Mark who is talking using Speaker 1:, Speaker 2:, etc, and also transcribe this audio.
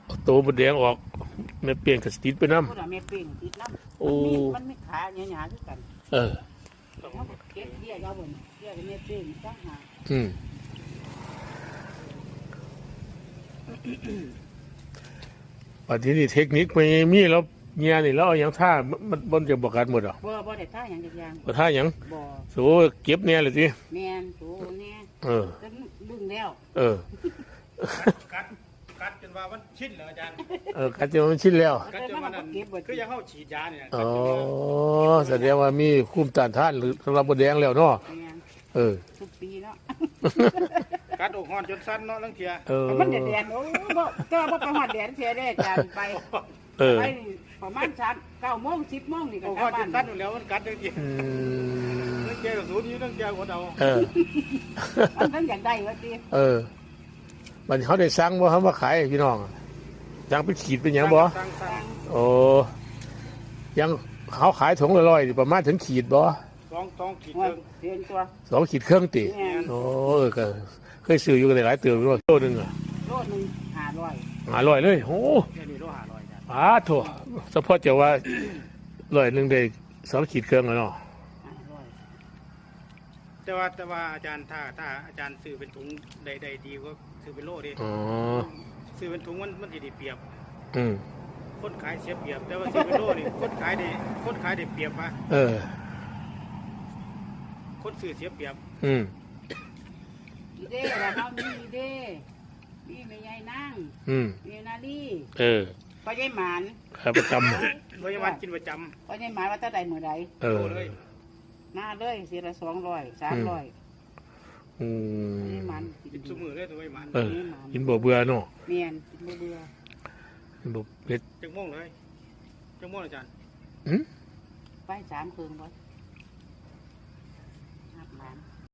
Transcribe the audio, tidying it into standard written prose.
Speaker 1: เอาตัวบดแดงออกแม่เปลี่ยนกับสติดไปน้
Speaker 2: พูดว่าแม่เป้งติดน้
Speaker 1: ำโอ้
Speaker 2: ำมันไม่ขาหยาๆคือกัน
Speaker 1: เออ
Speaker 2: เขาก็เก็บเบี้ยยาวบนเบี้ยกับแม่เป้งจ้าหา
Speaker 1: อืมปัจจุบันนี้เทคนิคไม่มีแล้วเงียนี่แล้วเอาอย่างท่ามันบนจะบอกกันหมดหรอ
Speaker 2: บ่ได้ท่าอย่างอย่าง
Speaker 1: บ่ท่าอย่าง
Speaker 2: บ่
Speaker 1: โสเก็บเนี่ยเลยสิ
Speaker 2: แม่นโตเนี่ย
Speaker 1: เออ
Speaker 2: จนดึงแล้ว
Speaker 1: เออ
Speaker 3: กัดจนว่ามันชินเหรออาจารย์
Speaker 1: กัดจนมันชินแล้ว
Speaker 3: กัดจนว่านั่นคือยังเข้าฉีดยาเนี่ย
Speaker 1: อ๋อแสดงว่ามีคุ้มต้านทานหรือสำหรับบดแดงแล้วเนาะ
Speaker 2: แม่น
Speaker 1: เออ
Speaker 2: ทุกปีเนาะ
Speaker 3: กัดอกห้อนจนสั้นเนาะลังเทีย
Speaker 1: เออ
Speaker 2: มันแดดโอ้บ่ก็บ่ไปหอดแดดเสียได้จานไป
Speaker 1: เออ
Speaker 2: ไปนี่ประมาณ9 โมง 10 โมงนี่ก็
Speaker 3: อก
Speaker 2: ก
Speaker 3: ห้
Speaker 2: ลั
Speaker 3: อบ นจ
Speaker 2: บ้าน
Speaker 3: นสั้นอยู่แล้วมันกัดเลยที
Speaker 1: อืม
Speaker 3: ลังเทียกับศูนย์อยู่ลังเทียคนเอา
Speaker 1: เออ
Speaker 2: มันทั้งอยากได้ว่าติ
Speaker 1: เออมันเขาได้สั่งว่าเขามาขายให้พี่น้องสั่งเป็นขีดเป็นหยังบ่
Speaker 3: สั่ง
Speaker 1: โอ้ยังเขาขายถุงละร้อยนี่ประมาณถึงขีดบ่
Speaker 3: สองขีด
Speaker 2: ว่า
Speaker 3: เทิง
Speaker 2: เพียนตัว
Speaker 1: 2 ขีดเครื่องติ
Speaker 2: แม่น
Speaker 1: โอ้เออก็เคยซื้ออยู่กันหลายเติมอยู่โลนึงอ่ะ
Speaker 2: โลนึง500
Speaker 1: 500เลยโอ้
Speaker 3: แค่นี้โล500จ้ะ
Speaker 1: โถเฉพาะจะว่า100ได้2 ขีดเครื่องแล้วเนาะ
Speaker 3: แต่ว่าอาจารย์ถ้าอาจารย์ซื้อเป็นถุงใดดีก็ซื้อเป็นโลดิ
Speaker 1: อ๋อ
Speaker 3: ซื้อเป็นถุงมันจะได้เปรียบ
Speaker 1: อืม
Speaker 3: คนขายเสียเปรียบ แต่ว่าซื้อเป็นโลนี่คนขายได้เปรียบปะ
Speaker 1: เออ
Speaker 3: คนซื้อเสียเปรียบ
Speaker 1: อืม
Speaker 2: อีเด้แล้วเฮามีเด้มีแม่ใหญ่นาง
Speaker 1: อืม
Speaker 2: มีนาลี
Speaker 1: เออ
Speaker 2: พ่อใหญ่หมาน
Speaker 1: ขาประจ
Speaker 3: พยาบาลกินประจ
Speaker 2: พ่อใหญ่หมานว่าถ้าใดมื้อใด
Speaker 1: ำเออ
Speaker 2: หน้าเลยสิละ200 300
Speaker 1: อืม
Speaker 2: นี่มัน
Speaker 3: ำกินสมือเลยตัวพยาบาล
Speaker 1: เออกินบ่เบื่อเนาะ
Speaker 2: เมียนกินบ่เบื่อ
Speaker 1: กินบ่เผ็ด
Speaker 3: จังม่วงเลยจังม่วงอาจารย์
Speaker 1: อืม
Speaker 2: ไป3 คืนบ่อาบน้ำ